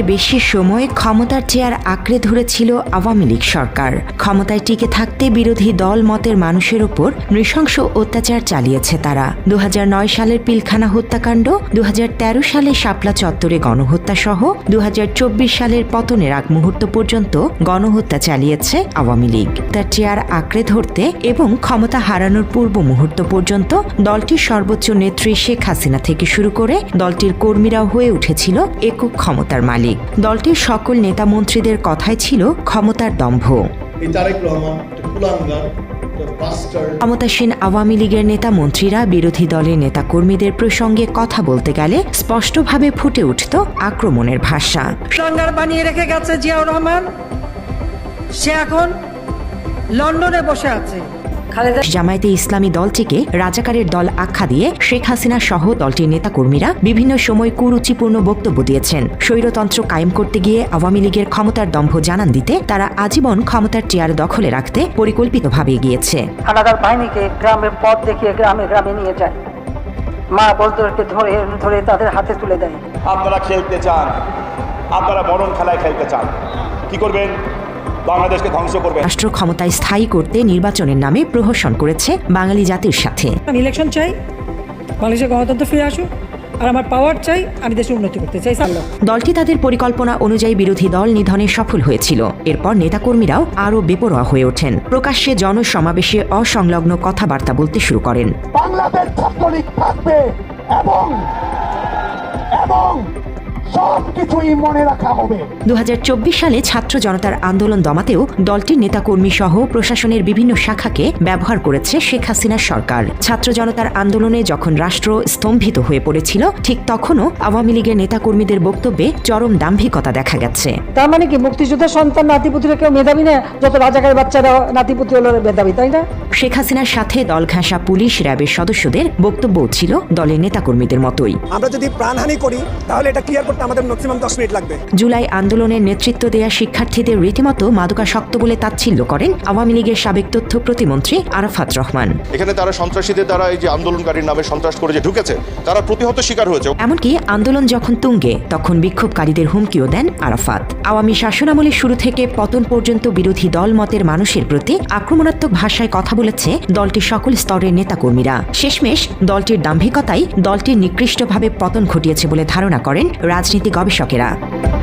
বেশি সময় ক্ষমতার চেয়ার আঁকড়ে ধরেছিল আওয়ামী লীগ সরকার। ক্ষমতায় টিকে থাকতে বিরোধী দল মতের মানুষের ওপর নৃশংস অত্যাচার চালিয়েছে তারা। 2009 সালের পিলখানা হত্যাকাণ্ড, 2013 সালে শাপলা চত্বরে গণহত্যা সহ 2024 সালের পতনের আগ মুহূর্ত পর্যন্ত গণহত্যা চালিয়েছে আওয়ামী লীগ। তার চেয়ার আঁকড়ে ধরতে এবং ক্ষমতা হারানোর পূর্ব মুহূর্ত পর্যন্ত দলটির সর্বোচ্চ নেত্রী শেখ হাসিনা থেকে শুরু করে দলটির কর্মীরাও হয়ে উঠেছিল একক ক্ষমতার মালিক। দলটির সকল নেতা মন্ত্রীদের কথাই ছিল ক্ষমতার দম্ভ। ক্ষমতাসীন আওয়ামী লীগের নেতা মন্ত্রীরা বিরোধী দলের নেতা কর্মীদের প্রসঙ্গে কথা বলতে গেলে স্পষ্টভাবে ফুটে উঠত আক্রমণের ভাষা। সংঘার বানিয়ে রেখে গেছে জিয়াউর রহমান, সে এখন লন্ডনে বসে আছে। জামায়াতে ইসলামী দলটিকে রাজাকারের দল আখ্যা দিয়ে শেখ হাসিনা সহ দলটির নেতাকর্মীরা বিভিন্ন সময় কুরুচিপূর্ণ বক্তব্য দিয়েছেন। স্বৈরতন্ত্র কায়েম করতে গিয়ে আওয়ামী লীগের ক্ষমতার দম্ভ জানান দিতে তারা আজীবন ক্ষমতার চেয়ার দখলে রাখতে পরিকল্পিতভাবে এগিয়েছে। হানাদার বাহিনীকে গ্রামের পথ দেখিয়ে গ্রামে গ্রামে নিয়ে যায়, মা বলদেরকে ধরে ধরে তাদের হাতে তুলে দেয়। আপনারা খেলতে চান, আপনারা মরণ খেলায় খেলতে চান, কি করবেন? বাংলাদেশকে ধ্বংস করবে। রাষ্ট্র ক্ষমতায় স্থায়ী করতে নির্বাচনের নামে প্রহসন করেছে বাঙালি জাতির সাথে। আমি ইলেকশন চাই, বাংলাদেশের গণতন্ত্র ফিরে আসুক, আর আমার পাওয়ার চাই, আমি দেশের উন্নতি করতে চাই। দলটি তাদের পরিকল্পনা অনুযায়ী বিরোধী দল নিধনে সফল হয়েছিল। এরপর নেতাকর্মীরাও আরও বেপরোয়া হয়ে ওঠেন। প্রকাশ্যে জনসমাবেশে অসংলগ্ন কথাবার্তা বলতে শুরু করেন। বাংলাদেশ ছাত্রলীগ থাকবে এবং সবকিছুই মনে রাখা হবে। 2024 সালে ছাত্র জনতার আন্দোলন দমাতেও দলটির নেতাকর্মী সহ প্রশাসনের বিভিন্ন শাখাকে ব্যবহার করেছে শেখ হাসিনার সরকার। ছাত্র জনতার আন্দোলনে যখন রাষ্ট্র স্তম্ভিত হয়ে পড়েছিল, ঠিক তখনও আওয়ামী লীগের নেতাকর্মীদের বক্তব্যে চরম দাম্ভিকতা দেখা গেছে। তার মানে কি মুক্তিযোদ্ধার সন্তান নাতিপুতিরা কেউ মেধাবী না? যত রাজাকার বাচ্চারা নাতিপুতি হলো মেধাবী, তাই না? শেখ হাসিনার সাথে দল ঘেঁষা পুলিশ র্যাবের সদস্যদের বক্তব্যও ছিল দলের নেতাকর্মীদের মতোই। আমরা যদি প্রাণহানি করি তাহলে এটা ক্লিয়ার করতে আমাদের ম্যাক্সিমাম 10 মিনিট লাগবে। জুলাই আন্দোলনের নেতৃত্ব দেয়া শিক্ষার্থীদের রীতিমতো মাদকাসক্ত বলে তাচ্ছিল্য করেন আওয়ামী লীগের সাবেক তথ্য প্রতিমন্ত্রী আরাফাত রহমান। এখানে তারা সন্ত্রাসীদের দ্বারা এই যে আন্দোলনকারীর নামে সন্ত্রাস করে যে ঢুকেছে, তারা প্রতিহত শিকার হয়েছে। এমনকি আন্দোলন যখন তুঙ্গে, তখন বিক্ষোভকারীদের হুমকিও দেন আরাফাত। আওয়ামী শাসনামলের শুরু থেকে পতন পর্যন্ত বিরোধী দল মতের মানুষের প্রতি আক্রমণাত্মক ভাষায় কথা বলেছে দলটির সকল স্তরের নেতাকর্মীরা। শেষমেশ দলটির দাম্ভিকতাই দলটির নিকৃষ্টভাবে পতন ঘটিয়েছে বলে ধারণা করেন রাজনীতি গবেষকেরা।